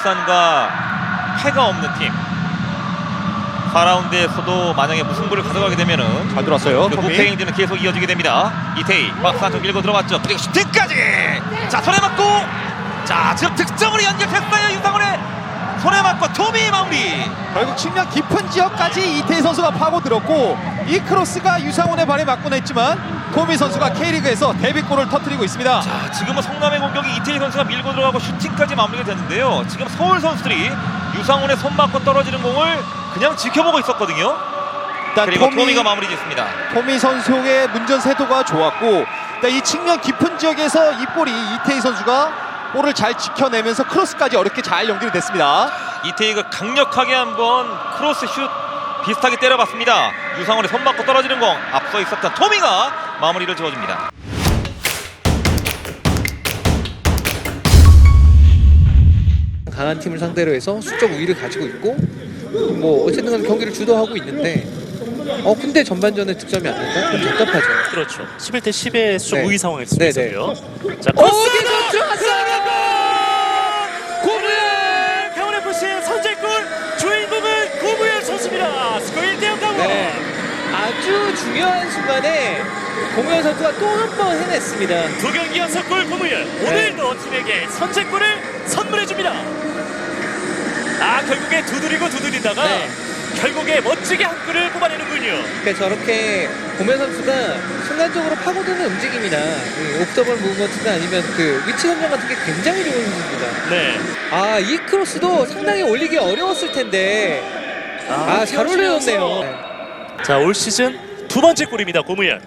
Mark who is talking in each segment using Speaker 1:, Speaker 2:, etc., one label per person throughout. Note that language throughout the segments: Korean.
Speaker 1: 울산과 패가 없는 팀. 4라운드에서도 만약에 무승부를 가져가게 되면은
Speaker 2: 잘 들어왔어요.
Speaker 1: 그 무패 행진은 계속 이어지게 됩니다. 이태희 박스 안쪽 밀고 들어갔죠. 그리고 슈팅까지. 자, 손에 맞고, 자, 지금 득점으로 연결했어요. 유상훈의 손에 맞고 토미 마무리.
Speaker 2: 결국 측면 깊은 지역까지 이태희 선수가 파고들었고, 이 크로스가 유상훈의 발에 맞곤 했지만 토미 선수가 K리그에서 데뷔골을 터뜨리고 있습니다.
Speaker 1: 자, 지금은 성남의 공격이 이태희 선수가 밀고 들어가고 슈팅까지 마무리가 됐는데요. 지금 서울 선수들이 유상훈의 손 맞고 떨어지는 공을 그냥 지켜보고 있었거든요.
Speaker 2: 일단
Speaker 1: 그리고 토미가 마무리 짓습니다.
Speaker 2: 토미 선수의 문전 세도가 좋았고, 일단 이 측면 깊은 지역에서 이 볼이 이태희 선수가 볼을 잘 지켜내면서 크로스까지 어렵게 잘 연결이 됐습니다.
Speaker 1: 이태희가 강력하게 한번 크로스 슛 비슷하게 때려봤습니다. 유상훈의 손 맞고 떨어지는 공, 앞서 있었던 토미가 마무리를 지어줍니다.
Speaker 3: 강한 팀을 상대로 해서 수적 우위를 가지고 있고, 뭐 어쨌든 간에 경기를 주도하고 있는데, 근데 전반전에 득점이 안 된다? 좀 답답하죠.
Speaker 4: 그렇죠. 11대 10의 수적
Speaker 3: 네.
Speaker 4: 우위 상황일 수
Speaker 3: 네네.
Speaker 4: 있어요. 자,
Speaker 3: 어디서 들어갔어요!
Speaker 4: 고무현! 강원FC의 선제골 주인공은 고무현 선수입니다. 스코어 1대0 강원.
Speaker 3: 네. 아주 중요한 순간에 고무현 선수가 또 한 번 해냈습니다.
Speaker 4: 두 경기 연속골 고무현. 오늘도 팀에게 선제골을 선물해줍니다. 결국에 두드리다가
Speaker 3: 네.
Speaker 4: 결국에 멋지게 한 골을 뽑아내는군요.
Speaker 3: 그러니까 저렇게 고무현 선수가 순간적으로 파고드는 움직임이나 옵더블 무브먼트나 아니면 그 위치 선정 같은 게 굉장히 좋은 선수입니다.
Speaker 4: 네.
Speaker 3: 이 크로스도 상당히 올리기 어려웠을 텐데 잘 올려줬네요. 네.
Speaker 4: 자, 올 시즌 두 번째 골입니다. 고무현.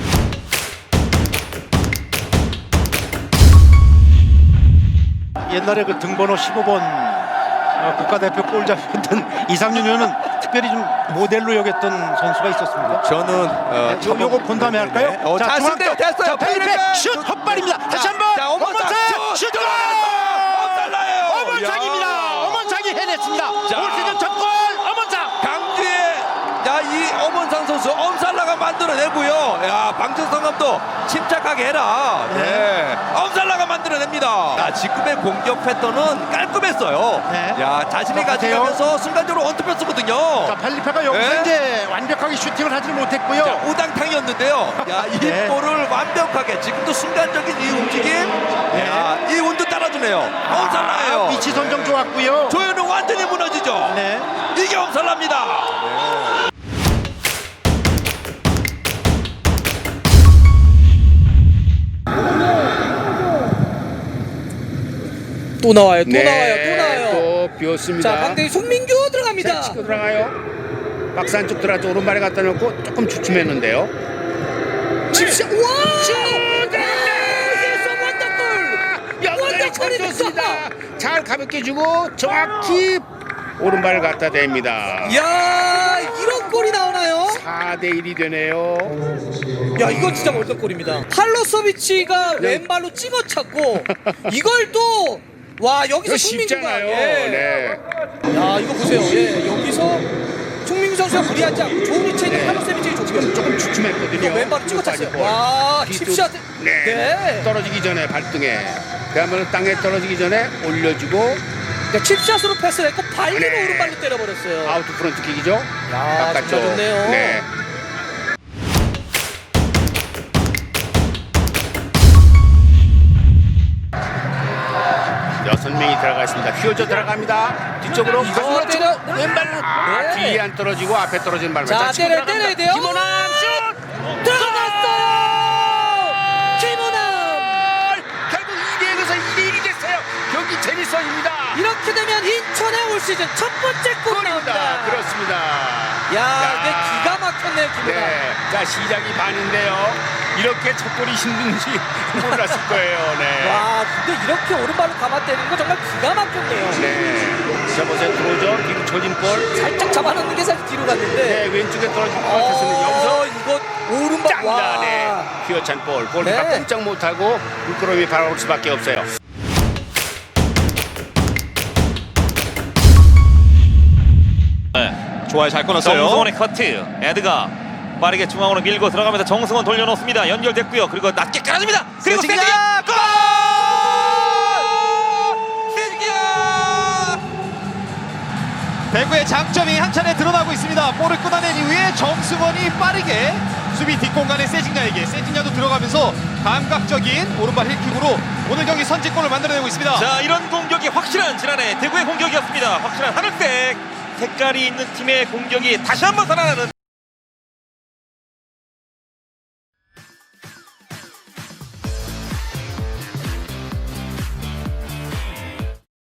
Speaker 5: 옛날에 그 등번호 15번 국가대표 골잡이였던 이상윤 의원은 특별히 좀 모델로 여겼던 선수가 있었습니다.
Speaker 2: 저는
Speaker 5: 요거 본 다음에 할까요?
Speaker 2: 자,
Speaker 5: 중앙쪽.
Speaker 2: 됐어요.
Speaker 5: 자, 페이페 슛 헛발입니다. 다시 한번.
Speaker 2: 자, 엄원상
Speaker 5: 슛 골!
Speaker 2: 엄살나요.
Speaker 5: 엄원상입니다. 엄원상이 해냈습니다.
Speaker 2: 자.
Speaker 5: 올 시즌 첫 골 엄원상.
Speaker 2: 강주의 이 엄원상 선수 엄살라가 만들어내고요. 방정성 감독 침착하게 해라. 네. 엄살라가 만들어냅니다. 지금의 공격 패턴은 깔끔했어요.
Speaker 5: 네.
Speaker 2: 자신이
Speaker 5: 똑같아요.
Speaker 2: 가져가면서 순간적으로 원투패스거든요.
Speaker 5: 자, 팔리페가 여기서
Speaker 2: 네.
Speaker 5: 이제 완벽하게 슈팅을 하지는 못했고요.
Speaker 2: 우당탕이었는데요. 이
Speaker 5: 네.
Speaker 2: 볼을 완벽하게 지금도 순간적인 이 움직임, 이 운도 따라주네요. 엄살라예요.
Speaker 5: 위치 선정 좋았고요.
Speaker 2: 조현우 완전히 무너지죠.
Speaker 5: 네.
Speaker 2: 이게 엄살라입니다.
Speaker 3: 또 나와요. 또 나와요.
Speaker 6: 또 비었습니다.
Speaker 3: 자, 방대위 송민규 들어갑니다.
Speaker 6: 치고 들어가요. 박스 안쪽 들어가서 오른발에 갖다 놓고 조금 주춤했는데요.
Speaker 3: 집시 와!
Speaker 6: 연결이 좋습니다. 잘 가볍게 주고 정확히 오른발을 갖다 댑니다.
Speaker 3: 야, 이런 골이 나오나요?
Speaker 6: 4대 1이 되네요.
Speaker 3: 야, 이건 진짜 월드골입니다. 팔로서비치가 왼발로 찍어찼고 이걸 또 여기서
Speaker 6: 이거
Speaker 3: 송민규가
Speaker 6: 쉽잖아요. 네.
Speaker 3: 야, 이거 보세요. 여기서 송민규 선수가 무리하지 않고 좋은 위치에 있는 팔로서비치가 좋고요.
Speaker 6: 조금 주춤했거든요.
Speaker 3: 왼발로 찍어찼어요.
Speaker 6: 볼.
Speaker 3: 와,
Speaker 6: 뒤쪽,
Speaker 3: 칩샷.
Speaker 6: 네.
Speaker 3: 네.
Speaker 6: 떨어지기 전에 발등에. 그러면 땅에 떨어지기 전에 올려주고
Speaker 3: 칩샷으로 패스를 했고 발리로
Speaker 6: 네.
Speaker 3: 오른발로 때려버렸어요.
Speaker 6: 아웃 프런트 킥이죠.
Speaker 3: 야, 진짜 좋네요.
Speaker 6: 네. 여섯 명이 들어가 있습니다. 휘어져 들어갑니다. 뒤쪽으로 가슴으로 치고 왼발로
Speaker 3: 네.
Speaker 6: 뒤에 안 떨어지고 앞에 떨어진 발만
Speaker 3: 자,
Speaker 6: 치고
Speaker 3: 때려야
Speaker 6: 들어갑니다.
Speaker 3: 돼요.
Speaker 6: 김호남 슛!
Speaker 3: 들어갔어요. 김호남.
Speaker 6: 결국 2대1에서 2대1이 됐어요. 경기 재밌어집니다.
Speaker 3: 이렇게 되면 인천의 올 시즌 첫 번째 골 나옵니다.
Speaker 6: 그렇습니다.
Speaker 3: 야, 근데 기가 막혔네요, 김호남.
Speaker 6: 네. 자, 시작이 반인데요. 이렇게 첫 골이 힘든지 몰랐을 거예요. 네.
Speaker 3: 와, 근데 이렇게 오른발로 감아 때리는 거 정말 기가 막혔네요.
Speaker 6: 네. 자, 보세요. 들어오죠. 뒤로 쳐진 볼.
Speaker 3: 살짝 잡아놓는 게 사실 뒤로 갔는데.
Speaker 6: 네, 왼쪽에 떨어진 것 같았으면 여기서
Speaker 3: 이거 오른발.
Speaker 6: 짱다. 네. 휘어찬 볼. 골키퍼
Speaker 3: 네.
Speaker 6: 꼼짝 못하고 미끄러움이 바라올 수밖에 없어요.
Speaker 2: 좋아요. 잘 끊었어요.
Speaker 1: 정승원의 커트. 에드가 빠르게 중앙으로 밀고 들어가면서 정승원 돌려놓습니다. 연결됐고요. 그리고 낮게 깔아줍니다. 그리고 세징야 골! 세징야!
Speaker 2: 대구의 장점이 한 차례 드러나고 있습니다. 볼을 끊어낸 이후에 정승원이 빠르게 수비 뒷공간에 세징야도 들어가면서 감각적인 오른발 힐킥으로 오늘 경기 선제골을 만들어내고 있습니다.
Speaker 1: 자, 이런 공격이 확실한 지난해 대구의 공격이었습니다. 확실한 하늘색 색깔이 있는 팀의 공격이 다시 한번 살아나는